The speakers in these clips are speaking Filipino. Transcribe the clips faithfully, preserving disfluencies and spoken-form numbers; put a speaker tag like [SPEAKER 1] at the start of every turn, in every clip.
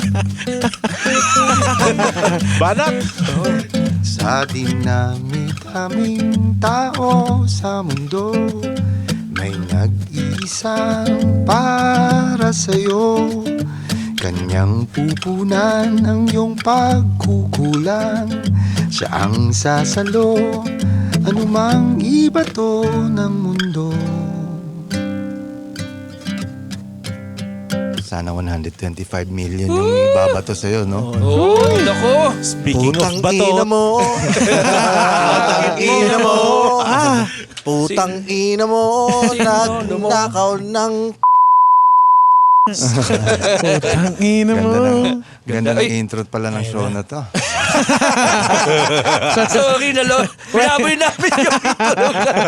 [SPEAKER 1] Banat!
[SPEAKER 2] Sa dinami-daming tao sa mundo, may nag-iisang para sa'yo. Kanyang pupunan ang iyong pagkukulang. Siya ang sasalo, anumang ibato ng mundo. Sana one hundred twenty-five million yung babato sa'yo, no?
[SPEAKER 3] Oh, nako.
[SPEAKER 1] Speaking
[SPEAKER 4] Putang
[SPEAKER 1] of bato,
[SPEAKER 4] ina mo. Putang ina mo. Ah, putang ina mo. Nagnakaw ng
[SPEAKER 5] Putang ina mo.
[SPEAKER 2] Ganda ng, ganda ng
[SPEAKER 3] Ay.
[SPEAKER 2] intro pala ng show na to.
[SPEAKER 3] Sorry na lo. Pinaboy namin yung intro.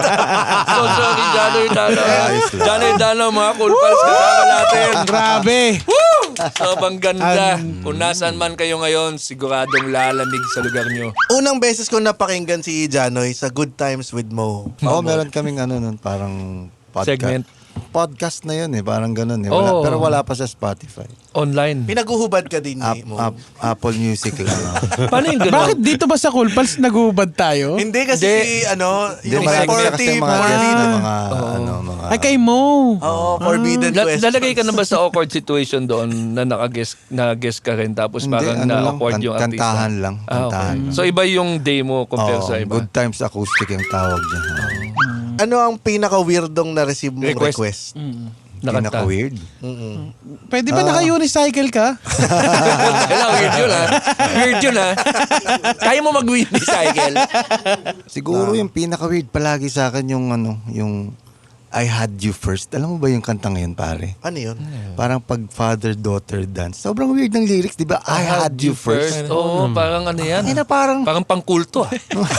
[SPEAKER 3] So sorry, Janoy Dano.
[SPEAKER 2] Ayos lang.
[SPEAKER 3] Janoy Dano, mga cool pals kasama natin.
[SPEAKER 5] Grabe.
[SPEAKER 3] Woo! Sobrang ganda. Kung nasaan man kayo ngayon, siguradong lalamig sa lugar nyo.
[SPEAKER 4] Unang beses ko napakinggan si Janoy sa Good Times with Mo.
[SPEAKER 2] Oo, meron kaming ano nun, parang podcast.
[SPEAKER 3] Segment.
[SPEAKER 2] Podcast na yun eh, parang ganun eh. Wala,
[SPEAKER 3] Oo.
[SPEAKER 2] Pero wala pa sa Spotify.
[SPEAKER 3] Online.
[SPEAKER 4] Pinaguhubad ka din
[SPEAKER 2] App,
[SPEAKER 4] ni Mo.
[SPEAKER 2] app, Apple Music lang.
[SPEAKER 3] Paano yung gano'n?
[SPEAKER 5] Bakit dito ba sa Cool Pals nagubad tayo?
[SPEAKER 4] Hindi kasi
[SPEAKER 3] Hindi.
[SPEAKER 4] ano,
[SPEAKER 2] Hindi,
[SPEAKER 4] yung
[SPEAKER 2] marami
[SPEAKER 4] forty,
[SPEAKER 2] kasi mga
[SPEAKER 4] forty.
[SPEAKER 2] guest na mga, ano, mga...
[SPEAKER 5] Ay, kay Mo.
[SPEAKER 4] Oo, forbidden
[SPEAKER 3] La-
[SPEAKER 4] questions.
[SPEAKER 3] lalagay ka na ba sa awkward situation doon na naka-guest na guest ka rin tapos
[SPEAKER 2] Hindi,
[SPEAKER 3] parang
[SPEAKER 2] ano lang,
[SPEAKER 3] na-awkward
[SPEAKER 2] kan-
[SPEAKER 3] yung artista?
[SPEAKER 2] kantahan lang,
[SPEAKER 3] Ah,
[SPEAKER 2] kantahan
[SPEAKER 3] okay.
[SPEAKER 2] lang.
[SPEAKER 3] So iba yung demo compare
[SPEAKER 2] Oo,
[SPEAKER 3] sa iba?
[SPEAKER 2] Good Times Acoustic yung tawag dyan.
[SPEAKER 4] Ano ang pinaka-weirdong na-receive mong
[SPEAKER 3] Request.
[SPEAKER 4] request?
[SPEAKER 3] Nakanta.
[SPEAKER 2] Pinaka-weird.
[SPEAKER 5] Pwede ba naka-unicycle ka?
[SPEAKER 3] Kailangan weird yun ha. Weird yun ha. Kaya mo mag-unicycle?
[SPEAKER 2] Siguro yung pinaka-weird palagi sa akin yung ano, yung I Had You First. Alam mo ba yung kanta ngayon, pare?
[SPEAKER 4] Ano yun?
[SPEAKER 2] Parang pag father-daughter dance. Sobrang weird ng lyrics, di ba? I, had, you first.
[SPEAKER 3] Oo, parang ano yan.
[SPEAKER 2] Ay na parang...
[SPEAKER 3] Parang pangkulto ah.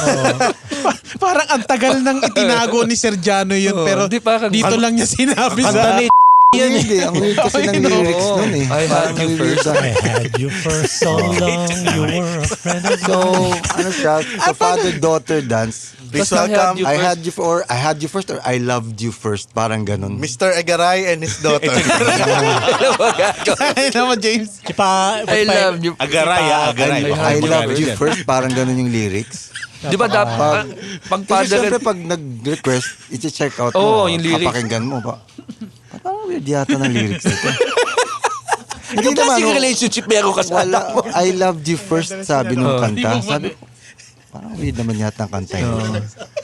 [SPEAKER 5] Pa- Parang ang tagal nang itinago ni Sergiano yun,
[SPEAKER 3] Oo,
[SPEAKER 5] pero
[SPEAKER 3] di parang-
[SPEAKER 5] dito lang niya sinabi
[SPEAKER 1] kanta
[SPEAKER 5] sa...
[SPEAKER 1] ni
[SPEAKER 2] Yan eh. Ang weird kasi ng lyrics nun eh.
[SPEAKER 3] I had you first.
[SPEAKER 1] I had you for so long, you were a friend of
[SPEAKER 2] So, ano siya? So, father-daughter dance.
[SPEAKER 4] Please
[SPEAKER 3] Tapos I had
[SPEAKER 4] welcome
[SPEAKER 3] you
[SPEAKER 2] I
[SPEAKER 3] first.
[SPEAKER 2] had you for, or I had you first or I loved you first. Parang ganun.
[SPEAKER 4] Mister Agaray and his daughter.
[SPEAKER 3] Alam mo, gago.
[SPEAKER 5] Ay naman, James.
[SPEAKER 1] Si pa,
[SPEAKER 3] I love you.
[SPEAKER 1] Agaray, ah, Agaray.
[SPEAKER 2] I,
[SPEAKER 1] Baka
[SPEAKER 2] I
[SPEAKER 1] hindi
[SPEAKER 2] loved
[SPEAKER 1] ko
[SPEAKER 2] you
[SPEAKER 1] yan.
[SPEAKER 2] first. Parang ganun yung lyrics.
[SPEAKER 3] Di ba dapat,
[SPEAKER 2] Pag,
[SPEAKER 3] pag
[SPEAKER 2] kasi
[SPEAKER 3] father
[SPEAKER 2] syempre pag nag-request, i-check out mo.
[SPEAKER 3] Oo, yung lyrics.
[SPEAKER 2] Kapakinggan mo. Pa, parang weird yata ng lyrics nito. Hindi
[SPEAKER 3] Ano klaseng
[SPEAKER 2] oh,
[SPEAKER 3] relationship meron ka sa
[SPEAKER 2] wala.
[SPEAKER 3] anak mo?
[SPEAKER 2] I loved you first, sabi nung kanta. Sabi, parang weird naman yata ang kanta yun.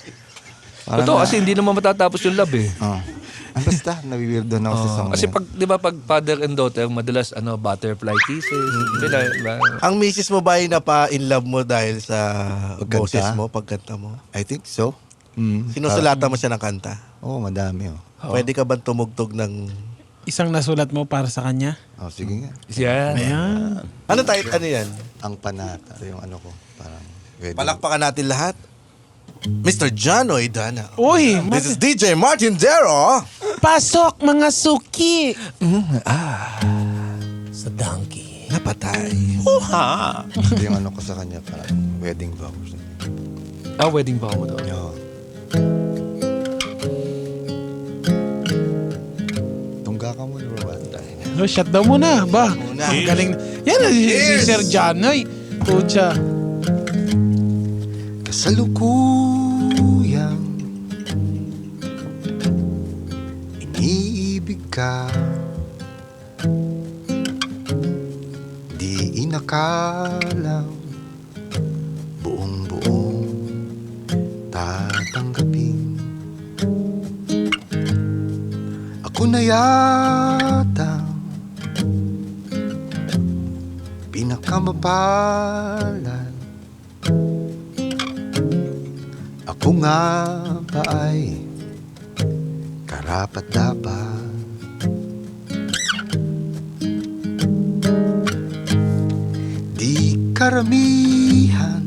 [SPEAKER 2] Parang
[SPEAKER 3] Totoo,
[SPEAKER 2] na-
[SPEAKER 3] kasi hindi naman matatapos yung love eh.
[SPEAKER 2] Oh. Ah, basta, nawiweirdo na ako sa song
[SPEAKER 3] Kasi
[SPEAKER 2] na yun.
[SPEAKER 3] pag, di ba, pag father and daughter, madalas, ano, butterfly kisses. Di ba, ba?
[SPEAKER 4] Ang misis mo ba ay napa-in love mo dahil sa
[SPEAKER 2] Pagkanta?
[SPEAKER 4] boses mo, pagkanta mo?
[SPEAKER 2] I think so. Mm.
[SPEAKER 4] Sinusulatan mo siya ng kanta?
[SPEAKER 2] Oo, oh, madami oh.
[SPEAKER 4] Pwede ka bang tumugtog ng...
[SPEAKER 5] Isang nasulat mo para sa kanya.
[SPEAKER 2] Oh, sige nga.
[SPEAKER 3] Yan.
[SPEAKER 5] Ayan.
[SPEAKER 4] Ano tayo? Ano yan?
[SPEAKER 2] Ang panata, yung ano ko, parang wedding.
[SPEAKER 4] Palakpakan natin lahat. Mister Janoy Dana.
[SPEAKER 5] Uy,
[SPEAKER 4] This is D J Martin Dero.
[SPEAKER 5] pasok mga suki.
[SPEAKER 1] Sa donkey.
[SPEAKER 4] Napatay.
[SPEAKER 2] Ito yung ano ko sa kanya, parang wedding vows.
[SPEAKER 3] Ah, wedding vow mo daw.
[SPEAKER 2] Yo. Tungga ka muna, bro.
[SPEAKER 5] No, shut down muna. Ba?
[SPEAKER 4] Muna.
[SPEAKER 5] Ang galing. Yan, si, si Sergiano. Ay, pucha.
[SPEAKER 2] Kasalukuyang iniibig ka, di inakalang buong-buong tatanggapin. Ako na yata pinakamapalad. Ako nga ba ay karapat dapat? Di karamihan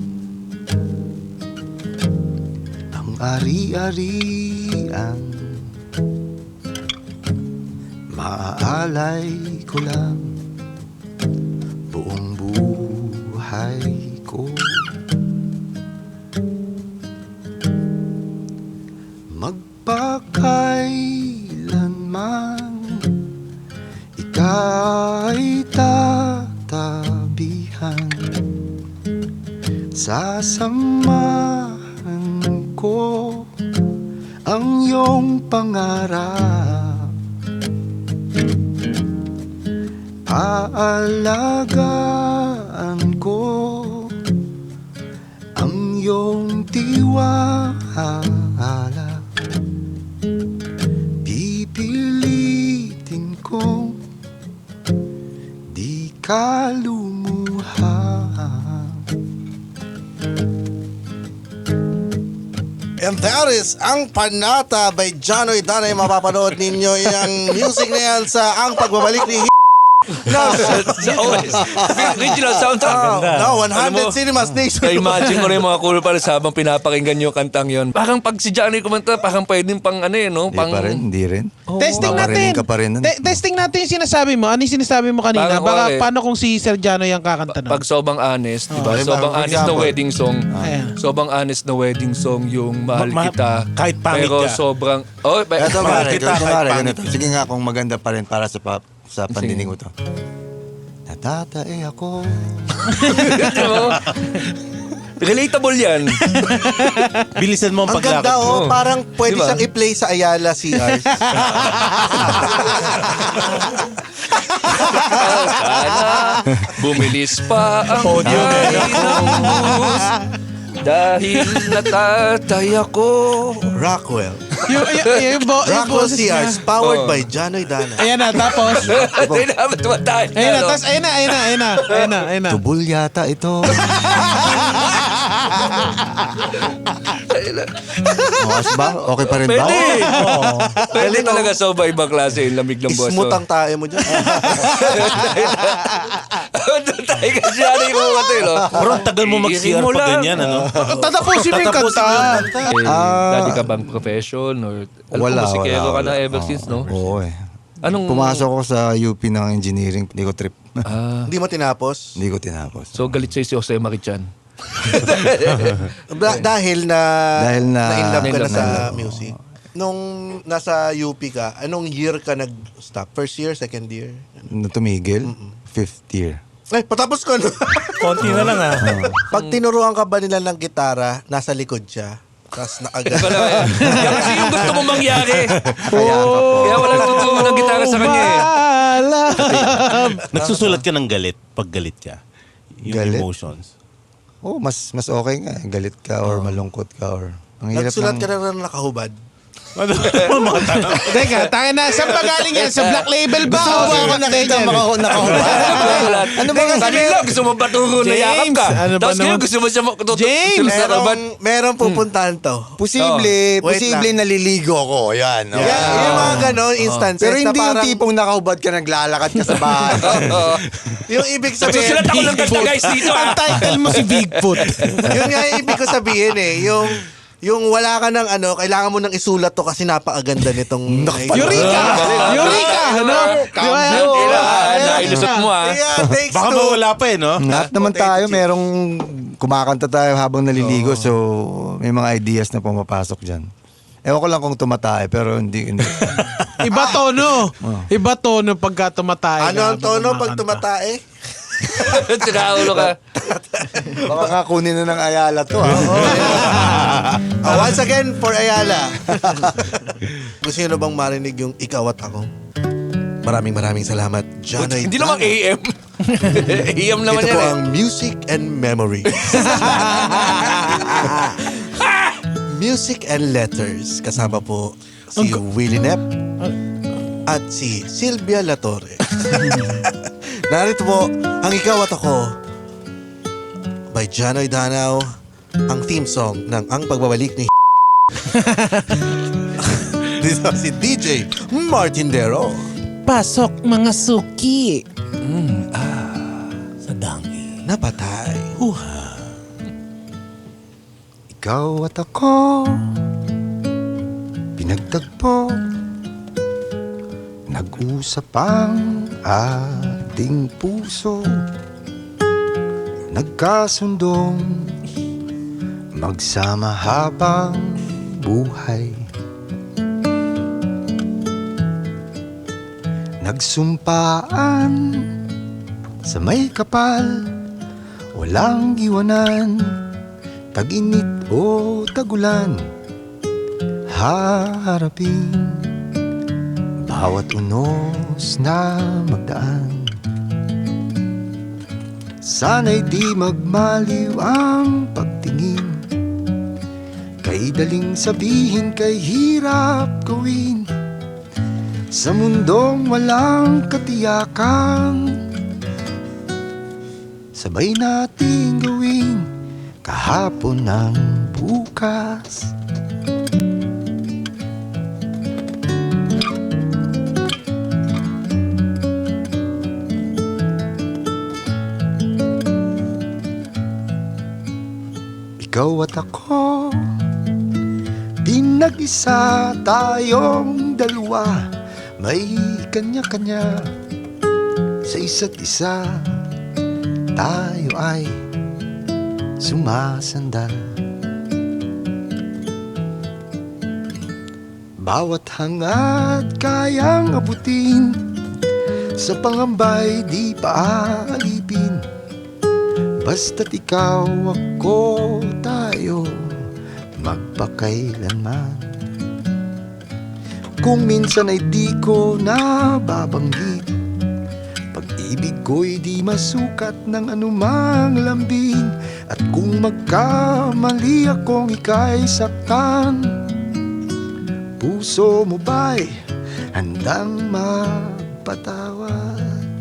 [SPEAKER 2] ang ari-arian, maaalay ko lang buong buhay ko. Magpakailanman ika'y tatapat Sasamahan ko ang iyong pangarap, aalagaan ko ang iyong tiwala, pipilitin kong di ka lumuha.
[SPEAKER 4] And that is Ang Panata by Janoy Danay. Mapapanood ninyo yung music na yan sa Ang Pagbabalik ni
[SPEAKER 3] Sa O S. Original soundtrack.
[SPEAKER 4] No, one hundred
[SPEAKER 3] Alam mo,
[SPEAKER 4] Cinemas Nation.
[SPEAKER 3] Na-imagine ko rin yung mga cool para sa habang pinapakinggan yung kantang yon. Parang pag si Johnny kumanta, parang pwedeng pang ano eh, no?
[SPEAKER 2] Hindi
[SPEAKER 3] Pang,
[SPEAKER 2] pa rin, hindi rin.
[SPEAKER 5] Testing
[SPEAKER 2] Paparinig
[SPEAKER 5] natin.
[SPEAKER 2] ka pa rin nun.
[SPEAKER 5] Te- testing natin yung sinasabi mo. Ano yung sinasabi mo kanina?
[SPEAKER 3] Parang
[SPEAKER 5] Baka
[SPEAKER 3] wala eh.
[SPEAKER 5] paano kung si Sir Jano yung kakanta nun?
[SPEAKER 3] Pag sobrang honest, di ba?
[SPEAKER 2] Diba,
[SPEAKER 3] Sobrang
[SPEAKER 2] for
[SPEAKER 3] honest na
[SPEAKER 2] example,
[SPEAKER 3] wedding song.
[SPEAKER 5] Ayan.
[SPEAKER 3] Sobrang honest na wedding song yung Mahal
[SPEAKER 1] Ma- ma-
[SPEAKER 3] Kita.
[SPEAKER 1] kahit pangit
[SPEAKER 3] Pero
[SPEAKER 1] ka.
[SPEAKER 3] sobrang... Oh, ba-
[SPEAKER 2] Ito
[SPEAKER 1] Mahal
[SPEAKER 2] pare,
[SPEAKER 1] kita,
[SPEAKER 2] ito
[SPEAKER 1] kahit
[SPEAKER 2] pare,
[SPEAKER 1] pangit.
[SPEAKER 2] ganito. Sige nga kung maganda pa rin para sa pa, sa pandinig ko to. Natatae ako.
[SPEAKER 3] Ito mo? Relatable yan.
[SPEAKER 1] Bilisan mo ang
[SPEAKER 4] Ang
[SPEAKER 1] paglakad
[SPEAKER 4] ganda
[SPEAKER 1] mo.
[SPEAKER 4] oh, parang pwede
[SPEAKER 3] Diba?
[SPEAKER 4] siyang i-play sa Ayala C R.
[SPEAKER 3] Sana bumilis pa ang
[SPEAKER 1] Audio
[SPEAKER 3] tayo ng bus dahil natatay ako.
[SPEAKER 4] Rockwell.
[SPEAKER 5] yung, yung, yung, yung, bo- yung
[SPEAKER 4] Rockwell
[SPEAKER 5] boses
[SPEAKER 4] C R,
[SPEAKER 5] niya.
[SPEAKER 4] powered
[SPEAKER 3] Oh.
[SPEAKER 4] by Janoy Danay.
[SPEAKER 5] Ayan na, tapos.
[SPEAKER 3] Hindi naman tumatay.
[SPEAKER 5] Ayan na, tapos ayan na, ayan na, ayan na, ayan na, ayan na.
[SPEAKER 2] Tubol yata ito. Makas ba? Okay pa rin ba?
[SPEAKER 3] Pwede.
[SPEAKER 1] Oo.
[SPEAKER 3] Pwede talaga sa iba-ibang klase yung lamig ng boss.
[SPEAKER 4] Ismut ang tae mo dyan.
[SPEAKER 3] Doon tayo kasi ano yung mga tayo, no?
[SPEAKER 1] Pero ang tagal mo mag-C R
[SPEAKER 3] Iirin mo
[SPEAKER 1] pa
[SPEAKER 3] lang.
[SPEAKER 1] ganyan, ano?
[SPEAKER 5] Tatapusin mo yung
[SPEAKER 1] Tatapusin
[SPEAKER 5] kanta.
[SPEAKER 1] mo yung kanta.
[SPEAKER 3] Eh,
[SPEAKER 2] Ah.
[SPEAKER 3] dati ka bang profession? Or, alam
[SPEAKER 2] Wala,
[SPEAKER 3] ko, musikero
[SPEAKER 2] wala,
[SPEAKER 3] ka na
[SPEAKER 2] wala.
[SPEAKER 3] ever since, no?
[SPEAKER 2] Oo eh.
[SPEAKER 3] Anong...
[SPEAKER 2] Pumasok ko sa U P ng engineering, hindi ko trip.
[SPEAKER 3] Ah,
[SPEAKER 4] Hindi mo tinapos.
[SPEAKER 2] Hindi ko tinapos.
[SPEAKER 3] so galit sa'yo si Jose Marichan.
[SPEAKER 4] Da- dahil na
[SPEAKER 2] Dahil na-
[SPEAKER 4] na-inlove ka na
[SPEAKER 3] Na-inlove
[SPEAKER 4] sa
[SPEAKER 2] na-
[SPEAKER 4] music. Nung nasa U P ka, anong year ka nag-stop? First year, second year?
[SPEAKER 2] Nung tumigil, fifth year.
[SPEAKER 4] Ay, patapos ko no.
[SPEAKER 1] Konti na lang, ah.
[SPEAKER 4] Pag tinuruan ka ba nila ng gitara, nasa likod siya. Tapos nakagano.
[SPEAKER 3] Wala eh. Yan kasi yung gusto mong mangyari.
[SPEAKER 2] Kaya ka po.
[SPEAKER 3] Kaya wala tuturo ng gitara sa kanya eh.
[SPEAKER 5] Balam.
[SPEAKER 1] Nagsusulat ka ng galit pag galit ka. Yung
[SPEAKER 2] Galit?
[SPEAKER 1] emotions.
[SPEAKER 2] Oh, mas mas okay nga. Galit ka or malungkot ka or... Ang hirap
[SPEAKER 4] Nagsulat
[SPEAKER 2] ng-
[SPEAKER 4] ka na rin nakahubad.
[SPEAKER 1] Ano? Mga tanong.
[SPEAKER 5] Teka, tayo na. Saan ba galing yan? Sa Black Label ba?
[SPEAKER 2] Gusto mo ba ako nakita maka- nakahubad?
[SPEAKER 3] Ano ba nga kanila? Gusto mo paturo na yakap ka.
[SPEAKER 5] James, ano ba
[SPEAKER 3] Tapos ngayon
[SPEAKER 5] naman?
[SPEAKER 3] gusto mo siya matuto.
[SPEAKER 5] James,
[SPEAKER 4] Merong, merong pupuntahan to.
[SPEAKER 2] Posible,
[SPEAKER 4] Oh, wait
[SPEAKER 2] posible
[SPEAKER 4] lang.
[SPEAKER 2] naliligo ko. Yan. okay.
[SPEAKER 4] Yan, yung mga ganon instances
[SPEAKER 2] Pero
[SPEAKER 4] na
[SPEAKER 2] hindi yung
[SPEAKER 4] parang,
[SPEAKER 2] tipong nakahubad ka naglalakad ka sa bahay.
[SPEAKER 3] Oo.
[SPEAKER 4] yung ibig sabihin,
[SPEAKER 3] Magsusulat ako ng kanta guys dito
[SPEAKER 5] Ang
[SPEAKER 3] ah.
[SPEAKER 5] title mo si Bigfoot.
[SPEAKER 4] yun nga yung ibig ko sabihin eh, yung yung wala ka ng ano, kailangan mo nang isulat to kasi napakaganda nitong
[SPEAKER 5] Eureka! Eureka! Ano? Di ba?
[SPEAKER 3] Kailangan na ilusot mo ah.
[SPEAKER 4] Yeah, takes
[SPEAKER 1] Baka
[SPEAKER 4] two.
[SPEAKER 1] mawala pa eh, no?
[SPEAKER 2] Lahat naman tayo, merong kumakanta tayo habang naliligo. So, may mga ideas na pumapasok dyan. Ewan ko lang kung tumatae, pero hindi. hindi.
[SPEAKER 5] Iba tono. Iba tono pagka tumatay.
[SPEAKER 4] Ano ang tono pag tumatae?
[SPEAKER 3] Tinaulo ka.
[SPEAKER 2] Baka nga kunin na ng Ayala to. Ha?
[SPEAKER 4] Ah, once again, for Ayala. Gusto nyo na bang marinig yung ikaw at ako? Maraming maraming salamat, Janoy.
[SPEAKER 3] Hindi naman A M. A M naman
[SPEAKER 4] Ito
[SPEAKER 3] yan
[SPEAKER 4] po
[SPEAKER 3] eh.
[SPEAKER 4] ang Music and Memory. Music and Letters. Kasama po si Willie Nep at si Silvia Latorre. Narito po ang Ikaw at Ako by Janoy Danao, ang theme song ng Ang Pagbabalik ni Dito si D J Martin Dero.
[SPEAKER 5] Pasok mga suki. Sa dangi.
[SPEAKER 4] Napatay.
[SPEAKER 2] Ikaw at ako, pinagtagpo, nag-usap ang ating puso, nagkasundong magsama habang buhay. Nagsumpaan sa may kapal, walang iwanan tag-init o tagulan, haharapin bawat unos na magdaan. Sana'y di magmaliw ang pagtingin, kay daling sabihin, kay hirap gawin. Sa mundong walang katiyakan, sabay nating gawin kahapon ng bukas. Ikaw at ako, pinag-isa tayong dalawa, may kanya-kanya sa isa't isa. Tayo ay sumasandal, bawat hangad kayang abutin, sa pangambay di paalipin. Basta't ikaw, ako, tayo, magpakailanman. Kung minsan ay di ko nababanggit, pag-ibig ko'y di masukat ng anumang lambing. At kung magkamali akong ika'y saktan, puso mo ba'y handang magpatawad?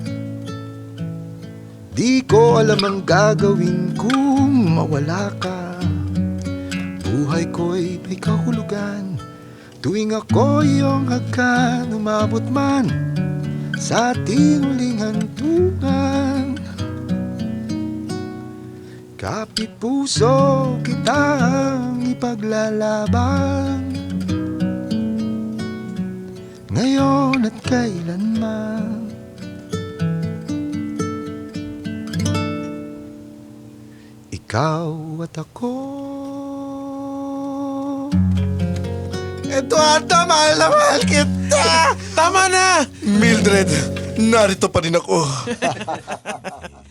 [SPEAKER 2] Di ko alam ang gagawin kung mawala ka. Buhay ko'y may kahulugan, tuwing ako iyong hagkan. Umabot man sa ating huling hantungan, kapit puso kitang ipaglalaban, ngayon at kailanman. Ikaw at ako.
[SPEAKER 4] Eduardo, mahal na mahal kita!
[SPEAKER 5] Tama na!
[SPEAKER 4] Mildred, narito pa rin ako.